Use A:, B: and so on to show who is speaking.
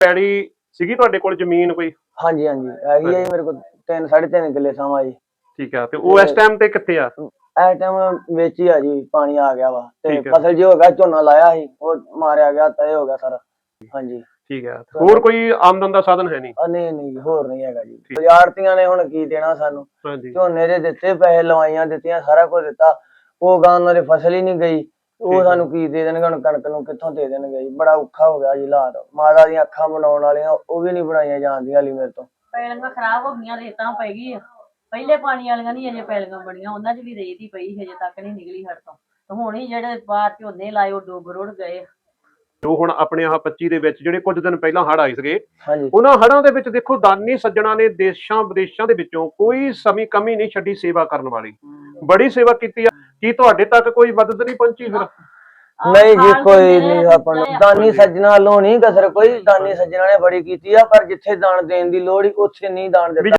A: ਪੈੜੀ ਸੀਗੀ ਤੁਹਾਡੇ ਕੋਲ ਜ਼ਮੀਨ ਕੋਈ?
B: ਹਾਂਜੀ ਹਾਂਜੀ ਹੈਗੀ ਆ ਜੀ ਮੇਰੇ ਕੋਲ 3.5 ਕਿੱਲੇ ਸਮਾਂ ਜੀ।
A: ਠੀਕ ਆ, ਤੇ ਉਹ ਇਸ ਟਾਈਮ ਤੇ ਕਿੱਥੇ ਆ?
B: ਇਸ ਟਾਈਮ ਵਿੱਚ ਹੀ ਆ ਜੀ, ਪਾਣੀ ਆ ਗਿਆ ਵਾ ਤੇ
A: ਠੀਕ ਹੈ।
B: ਫਸਲ ਜੀ ਹੋ ਗਿਆ, ਝੋਨਾ ਲਾਇਆ ਸੀ ਉਹ ਮਾਰਿਆ ਗਿਆ, ਤੈ ਹੋ ਗਿਆ ਸਾਰਾ। ਹਾਂਜੀ
A: ਠੀਕ ਹੈ, ਹੋਰ ਕੋਈ ਆਮਦਨ ਦਾ ਸਾਧਨ ਹੈ ਨਹੀਂ?
B: ਨਹੀਂ ਨਹੀਂ ਹੋਰ ਨਹੀਂ ਹੈਗਾ ਜੀ। ਆੜਤੀਆਂ ਨੇ ਹੁਣ ਕੀ ਦੇਣਾ ਸਾਨੂੰ?
A: ਹਾਂਜੀ।
B: ਝੋਨੇ ਦੇ ਦਿੱਤੇ ਪੈਸੇ, ਲਵਾਈਆਂ ਦਿੱਤੀਆਂ, ਸਾਰਾ ਕੁਝ ਦਿੱਤਾ, ਉਹ ਗਾਂ ਉਹਨਾਂ ਦੀ ਫਸਲ ਹੀ ਨਹੀਂ ਗਈ, ਉਹ ਸਾਨੂੰ ਕੀ ਦੇ ਦੇਣਗੇ? ਹੁਣ ਕਣਕ ਨੂੰ ਕਿੱਥੋਂ ਦੇ ਦੇਣਗੇ ਜੀ? ਬੜਾ ਔਖਾ ਹੋ ਗਿਆ ਜੀ ਹਾਲਾਤ। ਮਾਤਾ ਦੀਆਂ ਅੱਖਾਂ ਬਣਾਉਣ ਵਾਲੀਆਂ ਉਹ ਵੀ ਨਹੀਂ ਬਣਾਈਆਂ ਜਾਂਦੀਆਂ ਹਾਲੀ ਮੇਰੇ ਤੋਂ।
C: ਪੈਲੀਆਂ ਖਰਾਬ ਹੋ ਗਈਆਂ, ਰੇਤਾਂ ਪੈ ਗਈ। ਪਹਿਲੇ ਪਾਣੀ ਵਾਲੀਆਂ ਨਹੀਂ ਅਜੇ ਪੈਲੀਆਂ ਬਣੀਆਂ, ਉਹਨਾਂ 'ਚ ਵੀ ਰੇਤ ਹੀ ਪਈ, ਹਜੇ ਤੱਕ ਨਹੀਂ ਨਿਕਲੀ ਹੜ ਤੋਂ। ਤੇ ਹੁਣ ਹੀ ਜਿਹੜੇ ਬਾਹਰ ਝੋਨੇ ਲਾਏ ਉਹ ਡੁੱਬ ਰੁੜ ਗਏ।
A: ਜੋ ਹੁਣ ਆਪਣੇ ਆਹ 25 ਦੇ ਵਿੱਚ ਜਿਹੜੇ ਕੁਝ ਦਿਨ ਪਹਿਲਾਂ ਹੜ੍ਹ ਆਏ ਸੀਗੇ,
B: ਹਾਂਜੀ
A: ਉਹਨਾਂ ਹੜ੍ਹਾਂ ਦੇ ਵਿੱਚ ਦੇਖੋ ਦਾਨੀ ਸੱਜਣਾ ਨੇ ਦੇਸ਼ਾਂ ਵਿਦੇਸ਼ਾਂ ਦੇ ਵਿੱਚੋਂ ਕੋਈ ਕਮੀ ਨਹੀਂ ਛੱਡੀ ਸੇਵਾ ਕਰਨ ਵਾਲੀ, ਬੜੀ ਸੇਵਾ ਕੀਤੀ ਆ। ਕੀ ਤੁਹਾਡੇ ਤੱਕ ਕੋਈ ਮਦਦ ਨਹੀਂ ਪਹੁੰਚੀ ਫਿਰ?
B: ਨਹੀਂ ਜੀ ਕੋਈ ਨਹੀਂ, ਆਪਾਂ ਨੂੰ ਦਾਨੀ ਸੱਜਣਾ ਵੱਲੋਂ ਨਹੀਂ ਕਸਰ ਕੋਈ, ਦਾਨੀ ਸੱਜਣਾ ਨੇ ਬੜੀ ਕੀਤੀ ਆ, ਪਰ ਜਿੱਥੇ ਦਾਨ ਦੇਣ ਦੀ ਲੋੜ ਹੀ ਉੱਥੇ ਨਹੀਂ ਦਾਨ ਦਿੱਤਾ।